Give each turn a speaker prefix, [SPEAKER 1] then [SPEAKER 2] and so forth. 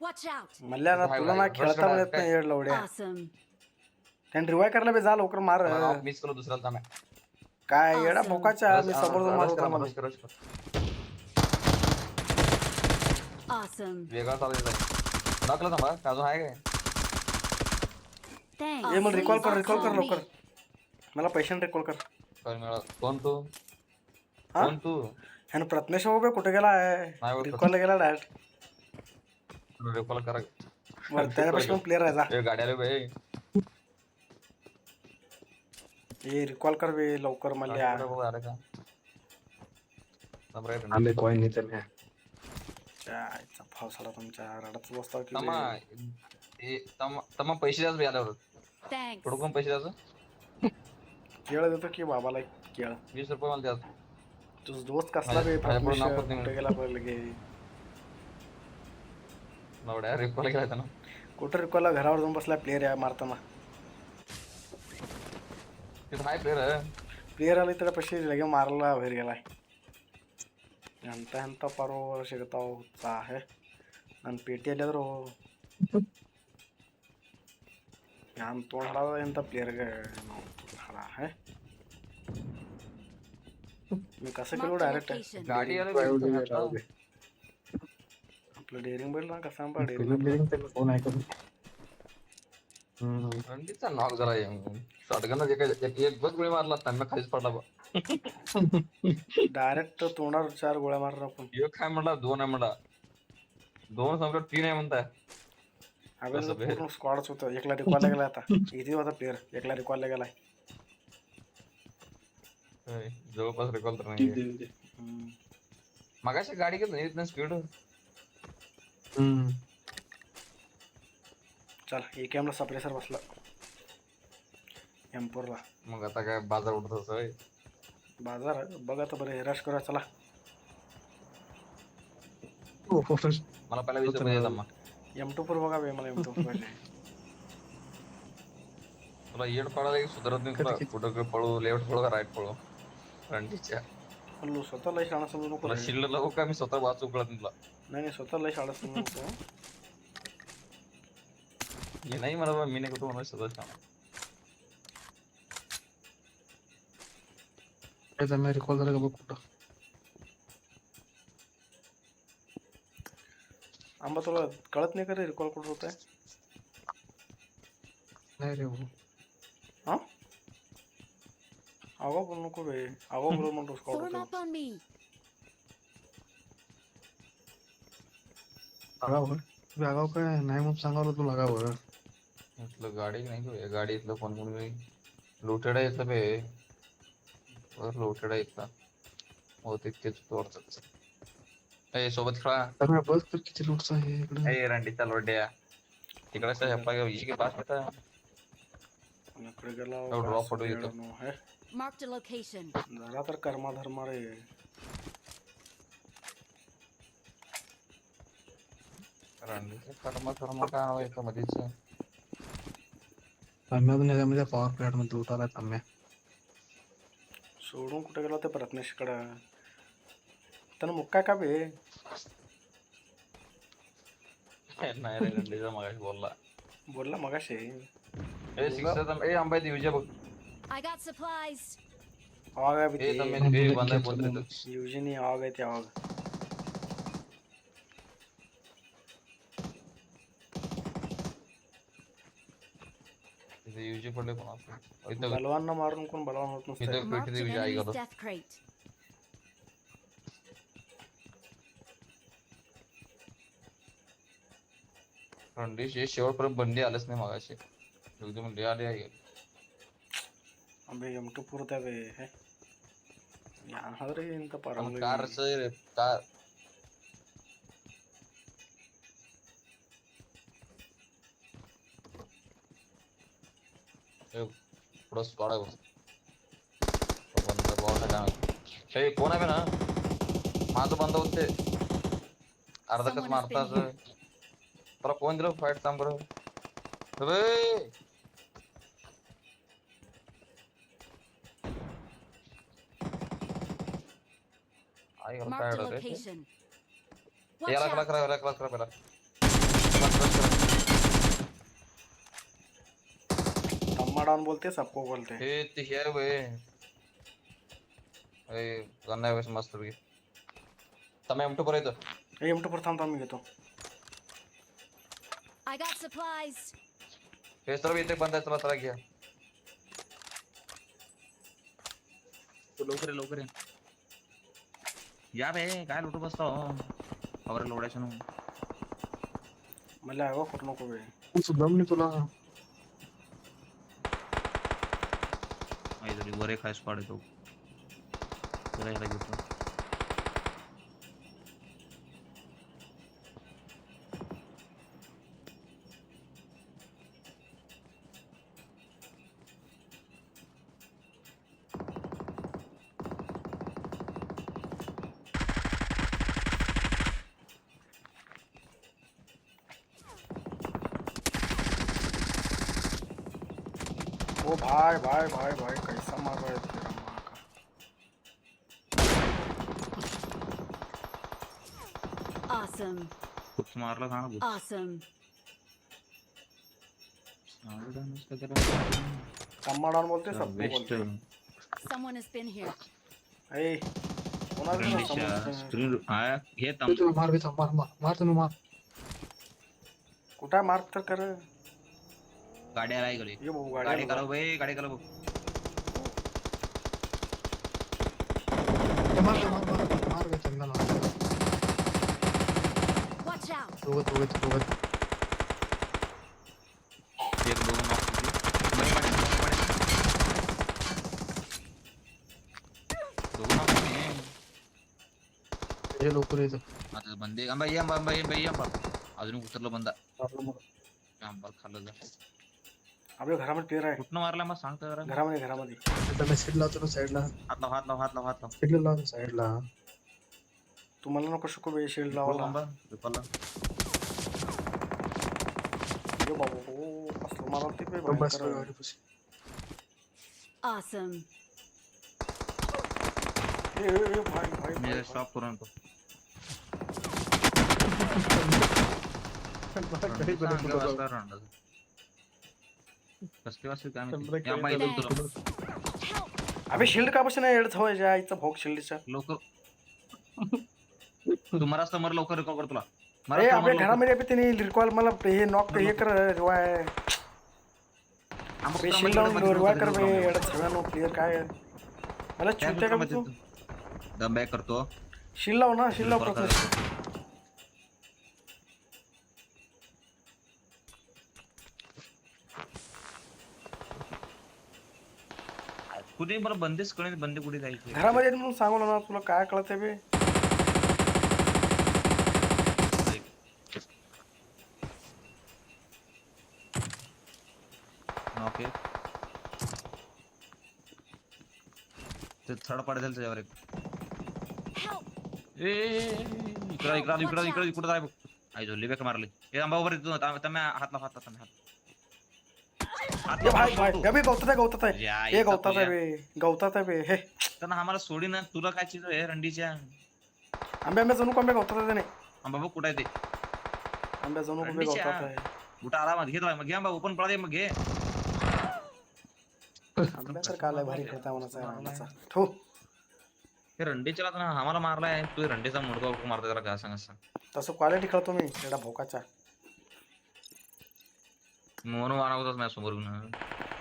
[SPEAKER 1] Watch out!
[SPEAKER 2] Mallya ना तुला ना खेळता पण येत नाही येड लवड्या
[SPEAKER 1] Awesome.
[SPEAKER 2] त्याने रिवाय करायला बे जा लवकर मार
[SPEAKER 3] मिस केलं दुसऱ्याला थांब
[SPEAKER 2] काय येडा
[SPEAKER 1] Awesome.
[SPEAKER 2] बोकाच्या मी समोर जाऊन मारत होता मला
[SPEAKER 1] Awesome.
[SPEAKER 3] वेगळा चालू आहे नकलं थांबा अजून आहे काय
[SPEAKER 1] Thanks.
[SPEAKER 2] ए मला रिकॉल कर
[SPEAKER 1] Awesome.
[SPEAKER 2] लवकर मला पैशाने रिकॉल कर
[SPEAKER 3] काय मिळालं कोण तू
[SPEAKER 2] हा
[SPEAKER 3] कोण तू
[SPEAKER 2] ह्यानं प्रत्नेश बाबा कुठे गेला आहे
[SPEAKER 3] नाही ओळखत.
[SPEAKER 2] रिकॉलला गेला डायरेक्ट
[SPEAKER 3] रेकॉल करा
[SPEAKER 2] त्याच्यापासून प्लेअर आहे जा
[SPEAKER 3] ए गाडी आले बे
[SPEAKER 2] ए रिकॉल कर बे लवकर मल्ल्या
[SPEAKER 3] अरे का नंबर आहे
[SPEAKER 4] आले कोई नहीं चले
[SPEAKER 2] काय पावसाळा तुमच्या रडाच बसता की
[SPEAKER 3] तमा ए तमा पैसे द्याच बे आल्यावर
[SPEAKER 1] Thanks.
[SPEAKER 3] थोडं कोण पैसे द्यायचं
[SPEAKER 2] केळ देतो की बाबाला केळ
[SPEAKER 3] 20 रुपये मला द्याच
[SPEAKER 2] तुझ दोस्त कसला बे
[SPEAKER 3] माझ्या पुढं नाव
[SPEAKER 2] प्रत्नेश
[SPEAKER 3] पण
[SPEAKER 2] कुठे गेला पडलं गे
[SPEAKER 3] नवड्या रेकॉल केला ना
[SPEAKER 2] कुठं रिकॉलला घरावर जाऊन बसला प्लेअर आहे मारताना
[SPEAKER 3] तिथं हाय प्लेअर
[SPEAKER 2] प्लेअर आले तर पैसे लगे मारला बाहेर गेलाय ಎಂತ ಪರೋ ಸಿಗ್ತಾವ ಉತ್ಸಾಹ ನನ್ನ ಪೇಟಿಯಲ್ಲಿ ಆದರೂ ನಾನು ತೊಗೊಂಡು ಎಂಥ ಪ್ಲೇಯರ್ಗೆ ಹಳ ಹೇ मी कसं केलो
[SPEAKER 1] Marked a
[SPEAKER 2] डायरेक्ट
[SPEAKER 1] location.
[SPEAKER 3] गाडी आले
[SPEAKER 2] आपलं डेअरिंग बैल ना कसं आंबा डेअरिंग
[SPEAKER 4] बिल्डिंग पे फोन आहे का
[SPEAKER 3] रणजीतचा नॉक जरा शॉटगन एक बस गोळी मारला त्यांना खालीच पडला बा
[SPEAKER 2] डायरेक्ट तोंडावर 4 गोळ्या मारणार आपण
[SPEAKER 3] एक काय म्हणला 2 आहे म्हणला 2 संपलं 3 आहे म्हणताय
[SPEAKER 2] आपल्याला पूर्ण स्क्वॉडच होतं एकला रिकॉलला गेला आता इथे होता प्लेअर एकला रिकॉलला गेलाय
[SPEAKER 3] जवळपास रिकॉल तर नाही मगाशी गाडी गेली नाही इथनं स्पीड
[SPEAKER 2] चल AKM ला सप्रेसर बसला M4 ला
[SPEAKER 3] मग आता काय बाजार उठत असं
[SPEAKER 2] बाजार बघा तर बरं रश करूया चला
[SPEAKER 3] मला पहिला 20 रुपये द्या मग
[SPEAKER 2] M2 पर बघा बे मला M2 पाहिजे
[SPEAKER 3] तुला येड पडायला की सुधारत नाही तुला कुठं पळू लेफ्ट पळू का राईट पळू रणजीतच्या
[SPEAKER 2] हल्लो स्वतः लय शाळा समजू नको
[SPEAKER 3] तुला
[SPEAKER 2] रे.
[SPEAKER 3] शिल्लक लागू का मी स्वतः वाचू कळत नाही तुला
[SPEAKER 2] नाही स्वतः लय शाळा समजू नको
[SPEAKER 3] हे नाही मला मी नाही कुठं म्हणा स्वतः शाळा
[SPEAKER 4] ऐसा मैं रिकॉल करेगा वो कुटा
[SPEAKER 2] आंबा तुला कळत नाही का रे रिकॉल कुठं होत आहे
[SPEAKER 4] नहीं रे वो
[SPEAKER 2] हा आवा बोल नको बे आवा बोल म्हणतो स्कॉट
[SPEAKER 1] Form
[SPEAKER 2] होतो
[SPEAKER 1] up on me.
[SPEAKER 4] लगा हुआ है आगाव का नहीं मुझे सांगा तो लगा हुआ है
[SPEAKER 3] इथलं गाडी नाही घेऊ गाडी इथलं कोण कोण लुटेड आहे इथलं बे लुटेड आहे इथला हो तितकेच तोडतात ए सोबत खेळा
[SPEAKER 4] तर मैं बस कर किती लूटचा आहे इकडे
[SPEAKER 3] ए रणजीतचा लोड्या तिकडे हेप्पा के पास येता
[SPEAKER 2] इकडे गेला
[SPEAKER 3] तो ड्रॉप फोटो येतो
[SPEAKER 2] है
[SPEAKER 1] Marked a location.
[SPEAKER 2] जरा तर कर्मा धर्म रे
[SPEAKER 3] रणजीतचा कर्म काय हवं इथं मध्येच
[SPEAKER 4] तम्या पण याच्यामध्ये पॉवर प्लॅट मध्ये उतारा तम्या
[SPEAKER 2] सोडून कुठे गेला ते प्रत्नेश कडे त्यानं मुक्का का बे
[SPEAKER 3] नाही रे रणजीतचा मगाशी
[SPEAKER 2] बोलला मगाशी
[SPEAKER 3] ए सिक्स ए अंबाई दिवजे बघ
[SPEAKER 1] I got supplies.
[SPEAKER 2] आवाग आहे
[SPEAKER 3] ए
[SPEAKER 2] बे
[SPEAKER 3] तम्मे ए बंदा बोल रे
[SPEAKER 2] युजनी आवाग आहे ते आवाग
[SPEAKER 3] ते युजे पडले कोण आपण इथं
[SPEAKER 2] बलवान मारून कोण बलवान होत नसतं
[SPEAKER 3] इथं
[SPEAKER 1] Marked
[SPEAKER 3] पेटी
[SPEAKER 1] an
[SPEAKER 3] दिवजे आई
[SPEAKER 1] enemy's
[SPEAKER 3] गेलो
[SPEAKER 1] death crate.
[SPEAKER 3] रणजीत हे शेवटपर्यंत बंदी आलंच नाही मगाशी एकदम लय आले आहे
[SPEAKER 2] अबे M2 पुरता बे है ಯಾರಾದ್ರೆ ಇಂತ ಪರವಾಗಿ
[SPEAKER 3] कार सर कार पुढं स्क्वॉड आहे बंद बॉल काय हे कोण आहे ना माझं बंद होते अर्धा कस मारताच तुला कोण दिलं फाईट थांब बरं अबे आई
[SPEAKER 1] Marked a
[SPEAKER 3] काय
[SPEAKER 1] location. Watch
[SPEAKER 3] याला
[SPEAKER 1] out.
[SPEAKER 3] करा याला करा पहिला
[SPEAKER 2] तम्मा डाउन बोलते सबको बोलते हैं.
[SPEAKER 3] हे ते हे वे ए गन्ना वेस मस्त बघ तमे M2 पर येतो
[SPEAKER 2] हे M2 पर थांबतो मी घेतो.
[SPEAKER 1] I got supplies.
[SPEAKER 3] हे सर्व इथे बंद आहे चला चला घ्या तो लवकर ये या बे काय लुटू बसतो खबर लोडायचं
[SPEAKER 2] मला हवं करू नको बे.
[SPEAKER 4] तुझं दम नाही तुला.
[SPEAKER 3] तरी वर एक हाय स्पॉट येतो त्याला ह्याला घेतो
[SPEAKER 2] ओ भाई भाई भाई भाई कैसा मार रहा है तेरा माँ का.
[SPEAKER 1] Awesome.
[SPEAKER 3] खूप मारला सांग
[SPEAKER 1] Awesome.
[SPEAKER 2] तम्मा डाउन बोलते सबको बोलते हैं.
[SPEAKER 1] Someone has been here.
[SPEAKER 2] ए कोणाला ना समजतं.
[SPEAKER 3] स्क्रीन हे
[SPEAKER 4] तू तुला मार बेटा मार तुम्ही मार.
[SPEAKER 2] कुठं मार्क तर कर.
[SPEAKER 3] गाडी आलाय गली
[SPEAKER 2] ये भाऊ
[SPEAKER 3] गाडी
[SPEAKER 2] गाडी
[SPEAKER 3] करा भाई गाडी करा
[SPEAKER 4] मार बेटा चंदन.
[SPEAKER 1] Watch out.
[SPEAKER 4] दोघं
[SPEAKER 3] एक दोन नॉक बरे दोन नॉक
[SPEAKER 4] हे लवकर येतं.
[SPEAKER 3] आता बंदे अंबा अजून उतरला बंदा अंबा खाल्लं जा
[SPEAKER 2] आपल्या घरामध्ये प्लेअर आहे.
[SPEAKER 3] कुठनं मारला मग सांगता जरा
[SPEAKER 2] घरामध्ये
[SPEAKER 4] त्याला साईड लावतो साईडला.
[SPEAKER 3] हात लाव
[SPEAKER 4] साईडला लावतो साईडला.
[SPEAKER 2] तुम्हाला नको शिकू बे शिल्ड लावायला.
[SPEAKER 3] अंबा विपलला
[SPEAKER 2] यो बाबू हो असलं मारते बे
[SPEAKER 4] बस
[SPEAKER 2] भयंकर.
[SPEAKER 4] गाडीपाशी.
[SPEAKER 1] Awesome.
[SPEAKER 2] ए भाई
[SPEAKER 3] मी स्टॉप करून आणतो कसले वाजते काय माहिती या बाई
[SPEAKER 1] Thanks.
[SPEAKER 3] तुला
[SPEAKER 2] अबे शिल्ड का बस नाही एडत होय जायचं भोग शिल्डचा.
[SPEAKER 3] लवकर तू मरास तर मर लवकर रिकॉल कर तुला
[SPEAKER 2] ए आपल्या घरामध्ये बी त्यांनी रिकॉल मला हे नॉक हे कर रिवाय बे शिल्ड लावून रिवाय कर बे एडत सगळ्यांनो प्लेअर काय आहे? मला चुत्या का तू
[SPEAKER 3] दम बॅक करतो
[SPEAKER 2] शिल्ड लाव ना शिल्ड लाव फक्त.
[SPEAKER 3] कुठे मला बंदेच कळेल बंदे कुठे जायचे
[SPEAKER 2] घरामध्ये म्हणून सांगू ना तुला काय कळतंय बे.
[SPEAKER 3] ओके ते थर्ड पार्ट झालं त्याच्यावर एक
[SPEAKER 1] Help.
[SPEAKER 3] इकडं कुठं जाय बघ आई झोल्ली बॅक मारली हे आंबा वर तुम्ही हात लाव
[SPEAKER 2] ये भाई अबे गवतात आहे हे गवतात आहे बे हे
[SPEAKER 3] त्यांना आम्हाला सोडी ना तुला काय चीज आहे रंडीच्या
[SPEAKER 2] आंब्या जणू कोंबे गवतात आहे नाही.
[SPEAKER 3] आंबा बघ कुठं आहे ते
[SPEAKER 2] आंब्या जणू कोंबे
[SPEAKER 3] रंडीच्या.
[SPEAKER 2] गवतात आहे.
[SPEAKER 3] कुठं आरामात घे मग घे आंबा ओपन पडा दे मग घे
[SPEAKER 2] आंब्या तर काल भारी खेळता म्हणाचा थो.
[SPEAKER 3] हे रंडीच्या ना आम्हाला मारलाय तू रंडीचा मुडका मारतो त्याला काय सांग
[SPEAKER 2] तसं क्वालिटी खेळतो मी एवढा भोकाचा.
[SPEAKER 3] म्हणून मारवतोच माझ्या समोर